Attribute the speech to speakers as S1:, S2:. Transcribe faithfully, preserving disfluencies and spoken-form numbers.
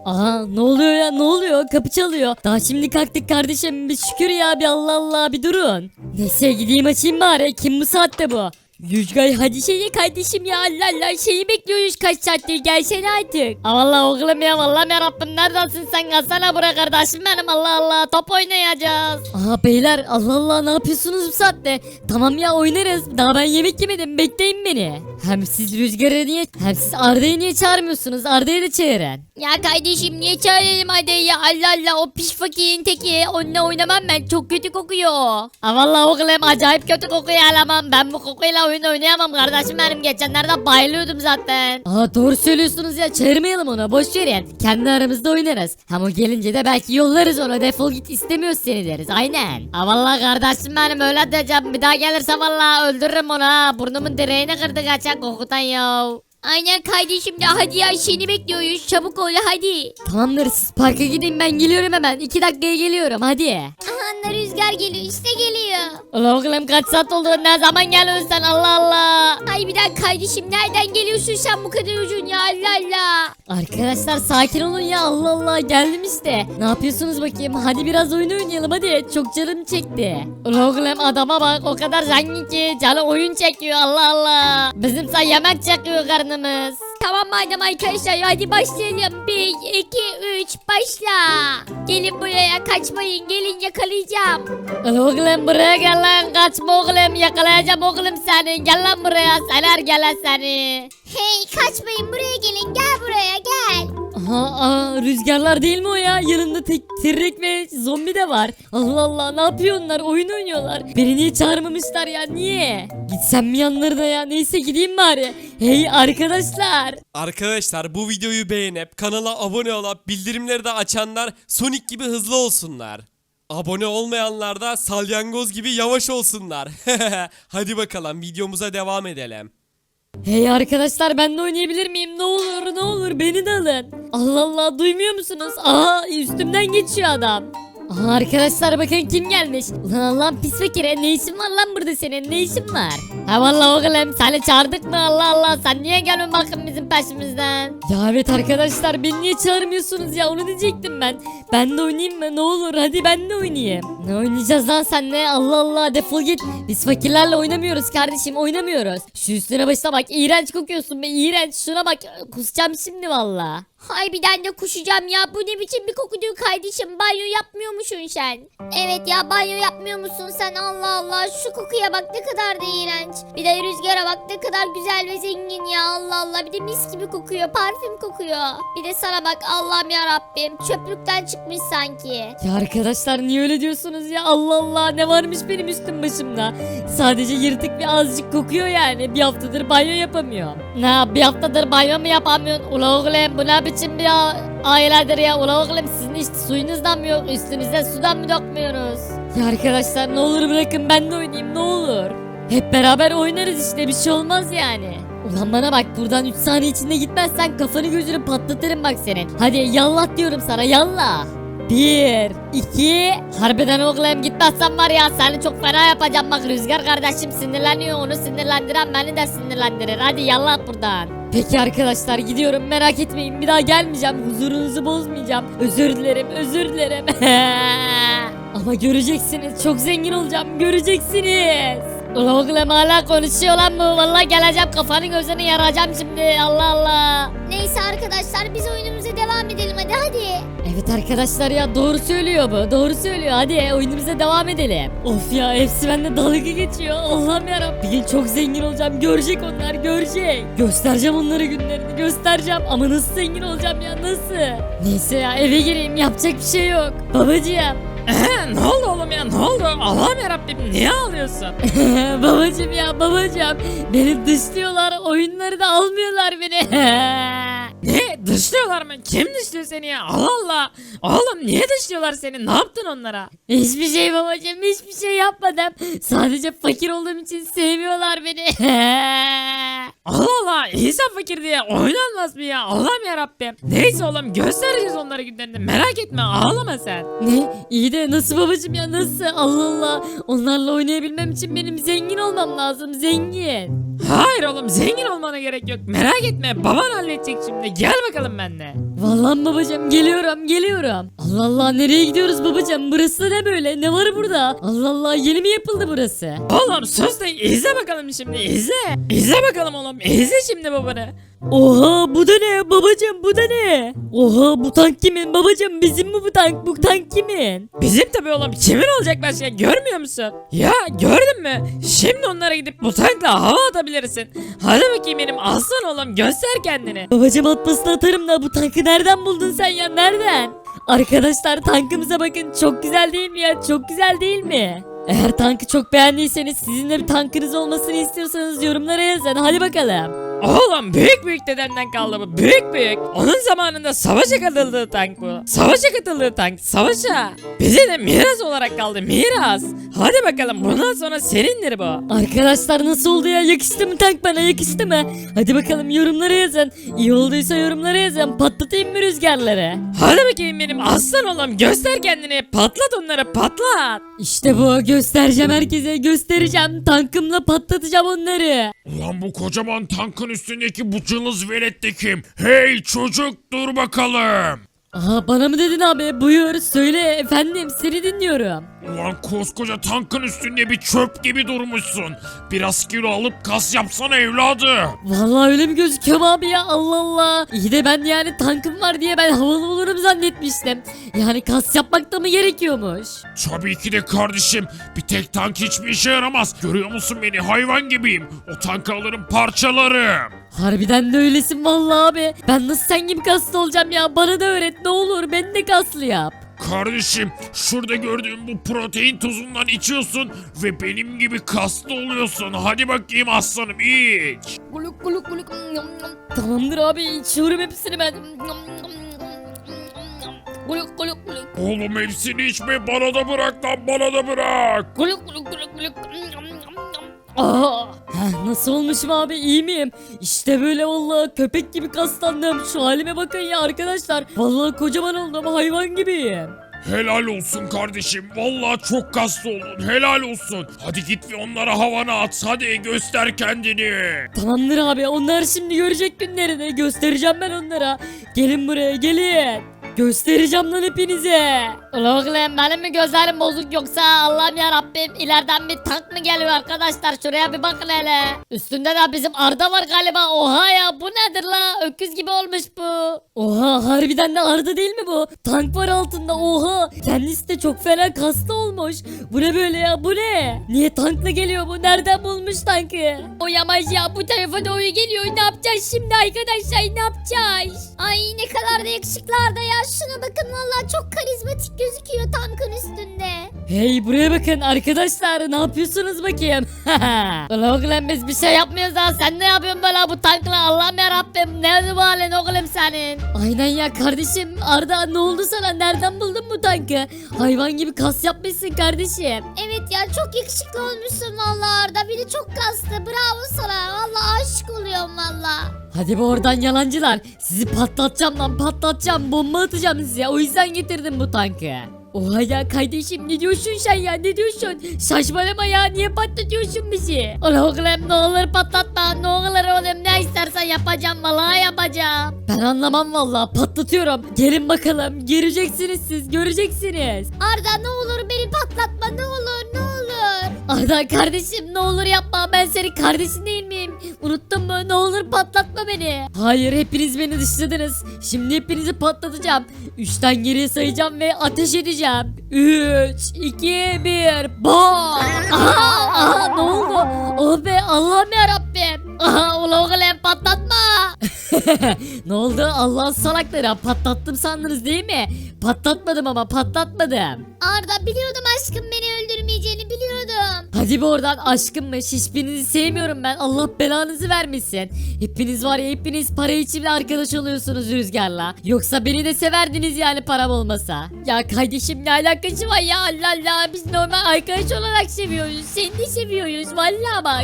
S1: Aha ne oluyor ya ne oluyor kapı çalıyor. Daha şimdi kalktık kardeşim bir şükür ya bir Allah Allah bir durun. Neyse gideyim açayım bari kim bu saatte bu? Yüzgay hadi şeyi kardeşim ya Allah Allah şeyi bekliyoruz kaç saattir gelsene artık. Aa vallahi oğlum ya vallahi yarabbim neredesin sen gelsene buraya kardeşim benim Allah Allah top oynayacağız. Aha beyler Allah Allah ne yapıyorsunuz bu saatte? Tamam ya oynarız daha ben yemek yemedim bekleyin beni. Hem siz Rüzgar'ı niye hem siz Arda'yı niye çağırmıyorsunuz Arda'yı da çağırın.
S2: Ya kardeşim niye çağıralım hadi ya Allah Allah o piş fakirin teki onunla oynamam ben çok kötü kokuyor.
S1: Aa vallahi oğlum acayip kötü kokuyor alamam ben bu kokuyla oyun oynayamam kardeşim benim geçenlerde bayılıyordum zaten. Aa doğru söylüyorsunuz ya çağırmayalım onu boş verin. Kendi aramızda oynarız. Hem o gelince de belki yollarız ona defol git istemiyoruz seni deriz aynen. Aa vallahi kardeşim benim öyle diyeceğim bir daha gelirse vallahi öldürürüm onu ha. Burnumun direğini kırdı kaçak kokutan ya.
S2: Aynen kardeşim de hadi ya seni bekliyoruz çabuk ol hadi.
S1: Tamamdır siz parka gidin ben geliyorum hemen iki dakikaya geliyorum hadi.
S2: Aha rüzgar geliyor işte geliyor.
S1: Ulan oğlum kaç saat oldu ne zaman geliyorsun sen Allah Allah.
S2: Ay bir dakika kardeşim nereden geliyorsun sen bu kadar uzun ya Allah Allah.
S1: Arkadaşlar sakin olun ya Allah Allah geldim işte. Ne yapıyorsunuz bakayım hadi biraz oyun oynayalım hadi çok canım çekti. Ulan oğlum adama bak o kadar zengin ki canı oyun çekiyor Allah Allah. Bizimse yemek çekiyor karnımız.
S2: Tamam madem arkadaşlar hadi başlayalım. bir iki üç başla. Gelin buraya kaçmayın gelin yakalayacağım.
S1: Ulan oğlum buraya gel lan kaçma oğlum yakalayacağım oğlum seni. Gel lan buraya sener gele seni.
S2: Hey kaçmayın buraya gelin gel buraya gel.
S1: Aha, aha rüzgarlar değil mi o ya? Yanında tek tirrek ve zombi de var. Allah Allah ne yapıyor onlar? Oyun oynuyorlar. Beni niye çağırmamışlar ya? Niye? Gitsem mi yanlarına ya? Neyse gideyim bari. Hey arkadaşlar.
S3: Arkadaşlar bu videoyu beğenip kanala abone olup bildirimleri de açanlar Sonic gibi hızlı olsunlar. Abone olmayanlar da salyangoz gibi yavaş olsunlar. Hadi bakalım videomuza devam edelim.
S1: Hey arkadaşlar ben de oynayabilir miyim? Ne olur ne olur beni de alın. Allah Allah duymuyor musunuz? Aha üstümden geçiyor adam. Aha arkadaşlar bakın kim gelmiş. Ulan Allah'ım pis fakire ne işin var lan burada senin ne işin var? Ha vallahi oğlum seni çağırdık mı Allah Allah sen niye gelmiyorsun bakın bizim peşimizden. Ya evet arkadaşlar beni niye çağırmıyorsunuz ya onu diyecektim ben. Ben de oynayayım mı ne olur hadi ben de oynayayım. Ne oynayacağız lan senle Allah Allah defol git. Biz fakirlerle oynamıyoruz kardeşim oynamıyoruz. Şu üstüne başına bak iğrenç kokuyorsun be iğrenç şuna bak kusacağım şimdi valla.
S2: Harbiden de kuşacağım ya bu ne biçim bir kokudur kardeşim banyo yapmıyormuşsun sen. Evet ya banyo yapmıyor musun sen Allah Allah şu kokuya bak ne kadar da iğrenç. Bir de rüzgara bak ne kadar güzel ve zengin ya Allah Allah bir de mis gibi kokuyor parfüm kokuyor. Bir de sana bak Allah'ım ya Rabbim çöplükten çıkmış sanki.
S1: Ya arkadaşlar niye öyle diyorsunuz ya Allah Allah ne varmış benim üstüm başımda. Sadece yırtık bir azıcık kokuyor yani bir haftadır banyo yapamıyorum. Ne bir haftadır banyo mu yapamıyorsun? Ula oğlum bu ne biçim bir ailedir ya ula oğlum sizin işte suyunuzdan mı yok üstünüze sudan mı dökmüyoruz? Ya arkadaşlar ne olur bırakın ben de oynayayım ne olur. Hep beraber oynarız işte bir şey olmaz yani. Ulan bana bak buradan üç saniye içinde gitmezsen kafanı gözünü patlatırım bak senin. Hadi yallah diyorum sana yallah. Bir, iki, harbiden oğlum gitmezsen var ya seni çok fena yapacağım bak Rüzgar kardeşim sinirleniyor onu sinirlendiren beni de sinirlendirir hadi yallah buradan. Peki arkadaşlar gidiyorum merak etmeyin bir daha gelmeyeceğim huzurunuzu bozmayacağım özür dilerim özür dilerim. Ama göreceksiniz çok zengin olacağım göreceksiniz. Ulan oğlum hala konuşuyor lan bu vallahi geleceğim kafanı gözünü yaracağım şimdi Allah Allah.
S2: Neyse arkadaşlar biz oyunumuza devam edelim hadi hadi.
S1: Evet arkadaşlar ya doğru söylüyor bu doğru söylüyor hadi oyunumuza devam edelim. Of ya hepsi bende dalga geçiyor Allah'ım yarabbim bir gün çok zengin olacağım görecek onlar görecek. Göstereceğim onlara günlerini göstereceğim ama nasıl zengin olacağım ya nasıl. Neyse ya eve gireyim yapacak bir şey yok babacığım.
S4: Ee, ne oldu oğlum ya ne oldu? Allah'ım yarabbim niye ağlıyorsun?
S1: Babacım ya babacım beni dışlıyorlar oyunları da almıyorlar beni.
S4: Ne dışlıyorlar mı? Kim dışlıyor seni ya? Allah Allah. Oğlum niye dışlıyorlar seni? Ne yaptın onlara?
S1: Hiçbir şey babacım hiçbir şey yapmadım. Sadece fakir olduğum için sevmiyorlar beni.
S4: Allah Allah insan fakir diye oynanmaz mı ya? Allah'ım yarabbim. Neyse oğlum göstereceğiz onlara günlerini. Merak etme ağlama sen.
S1: Ne? İyi de nasıl babacım ya nasıl? Allah Allah. Onlarla oynayabilmem için benim zengin olmam lazım zengin.
S4: Hayır oğlum zengin olmana gerek yok. Merak etme baban halledecek şimdi. Gel bakalım benimle.
S1: Vallahi babacım geliyorum geliyorum. Allah Allah nereye gidiyoruz babacım? Burası ne böyle? Ne var burada? Allah Allah yeni mi yapıldı burası?
S4: Oğlum sus da izle bakalım şimdi izle. İzle bakalım oğlum izle şimdi babanı.
S1: Oha bu da ne babacım bu da ne? Oha bu tank kimin babacım bizim mi bu tank? Bu tank kimin?
S4: Bizim tabii oğlum kimin olacak başka görmüyor musun? Ya gördün mü? Şimdi onlara gidip bu tankla hava atabilirsin. Hadi bakayım benim aslan oğlum göster kendini.
S1: Babacım atmasını atarım da bu tankı nereden buldun sen ya nereden? Arkadaşlar tankımıza bakın çok güzel değil mi ya çok güzel değil mi? Eğer tankı çok beğendiyseniz sizin de bir tankınız olmasını istiyorsanız yorumlara yazın hadi bakalım.
S4: Oğlum büyük büyük dedemden kaldı bu büyük büyük. Onun zamanında savaşa katıldığı tank bu. Savaşa katıldığı tank savaşa. Bize de miras olarak kaldı miras. Hadi bakalım bundan sonra senindir bu.
S1: Arkadaşlar nasıl oldu ya yakıştı mı tank bana yakıştı mı? Hadi bakalım yorumlara yazın. İyi olduysa yorumlara yazın patlatayım mı rüzgarları?
S4: Hadi bakayım benim aslan oğlum göster kendini patlat onları patlat.
S1: İşte bu göstereceğim herkese göstereceğim tankımla patlatacağım onları.
S5: Ulan bu kocaman tankın üstündeki bu cılız velet de kim? Hey çocuk dur bakalım.
S1: Aha bana mı dedin abi buyur söyle efendim seni dinliyorum.
S5: Ulan koskoca tankın üstünde bir çöp gibi durmuşsun. Biraz kilo alıp kas yapsana evladım.
S1: Vallahi öyle mi gözüküyor abi ya Allah Allah. İyi de ben yani tankım var diye ben havalı olurum zannetmiştim. Yani kas yapmak da mı gerekiyormuş?
S5: Tabii ki de kardeşim. Bir tek tank hiçbir işe yaramaz. Görüyor musun beni hayvan gibiyim. O tankı alırım parçalarım.
S1: Harbiden de öylesin vallahi abi. Ben nasıl sen gibi kaslı olacağım ya bana da öğret ne olur beni de kaslı yap.
S5: Kardeşim şurada gördüğüm bu protein tozundan içiyorsun ve benim gibi kaslı oluyorsun. Hadi bakayım aslanım iç.
S1: Guluk guluk guluk. Tamamdır abi içiyorum hepsini ben. Guluk guluk guluk.
S5: Oğlum hepsini içme bana da bırak lan bana da bırak.
S1: Guluk guluk guluk guluk. Aa, heh, nasıl olmuşum abi iyi miyim? İşte böyle vallahi köpek gibi kaslandım. Şu halime bakın ya arkadaşlar. Vallahi kocaman oldum hayvan gibiyim.
S5: Helal olsun kardeşim. Vallahi çok kaslı oldun. Helal olsun. Hadi git ve onlara havana at. Hadi göster kendini.
S1: Tamamdır abi onlar şimdi görecek günlerini. Göstereceğim ben onlara. Gelin buraya gelin. Göstereceğim lan hepinize.
S2: Ulan oğlum benim mi gözlerim bozuk yoksa Allah'ım ya Rabbim ileriden bir tank mı geliyor arkadaşlar şuraya bir bakın hele. Üstünde de bizim Arda var galiba oha ya bu nedir la öküz gibi olmuş bu.
S1: Oha harbiden de Arda değil mi bu? Tank var altında oha. Kendisi de çok fena kaslı olmuş. Bu ne böyle ya bu ne? Niye tankla geliyor bu? Nereden bulmuş tankı?
S2: O yamaç ya bu tarafa doğru geliyor ne yapacağız şimdi arkadaşlar ne yapacağız? Ay ne kadar da yakışıklı Arda ya şuna bakın valla çok karizmatik gözüküyor tankın üstünde.
S1: Hey buraya bakın arkadaşlar ne yapıyorsunuz bakayım?
S2: Ulan oğlum biz bir şey yapmıyoruz ha sen ne yapıyorsun böyle bu tankla Allah'ım ya Rabbim ne bu halin oğlum senin?
S1: Aynen ya kardeşim Arda ne oldu sana nereden buldun bu tankı? Hayvan gibi kas yapmışsın kardeşim.
S2: Evet ya çok yakışıklı olmuşsun valla Arda biri çok kastı bravo sana valla aşık oluyorum valla.
S1: Hadi be oradan yalancılar sizi patlatacağım lan patlatacağım bomba atacağım size o yüzden getirdim bu tankı. Oha ya kardeşim ne diyorsun sen ya ne diyorsun? Saçmalama ya niye patlatıyorsun bizi?
S2: Ulan oğlum ne olur patlatma ne olur oğlum ne istersen yapacağım vallahi yapacağım.
S1: Ben anlamam vallahi patlatıyorum. Gelin bakalım göreceksiniz siz göreceksiniz.
S2: Arda ne olur beni patlatma ne olur ne olur.
S1: Arda kardeşim ne olur yapma ben senin kardeşin değil miyim? Unuttun mu ne olur patlatma beni. Hayır hepiniz beni dışladınız. Şimdi hepinizi patlatacağım. Üçten geriye sayacağım ve ateş edeceğim. Üç, iki, bir, bam! Aha, aha ne oldu? Oh be Allah'ım yarabbim.
S2: Aha ulan oğlum patlatma.
S1: Ne oldu Allah'ın salakları patlattım sandınız değil mi? Patlatmadım ama patlatmadım.
S2: Arda biliyordum aşkım beni öldürmeyeceğini biliyordum.
S1: Hadi be oradan aşkımmış hiçbirinizi sevmiyorum ben Allah belanızı vermesin. Hepiniz var ya hepiniz para için arkadaş oluyorsunuz Rüzgar'la. Yoksa beni de severdiniz yani param olmasa.
S2: Ya kardeşim ne alakası var ya Allah Allah biz normal arkadaş olarak seviyoruz seni de seviyoruz valla bak.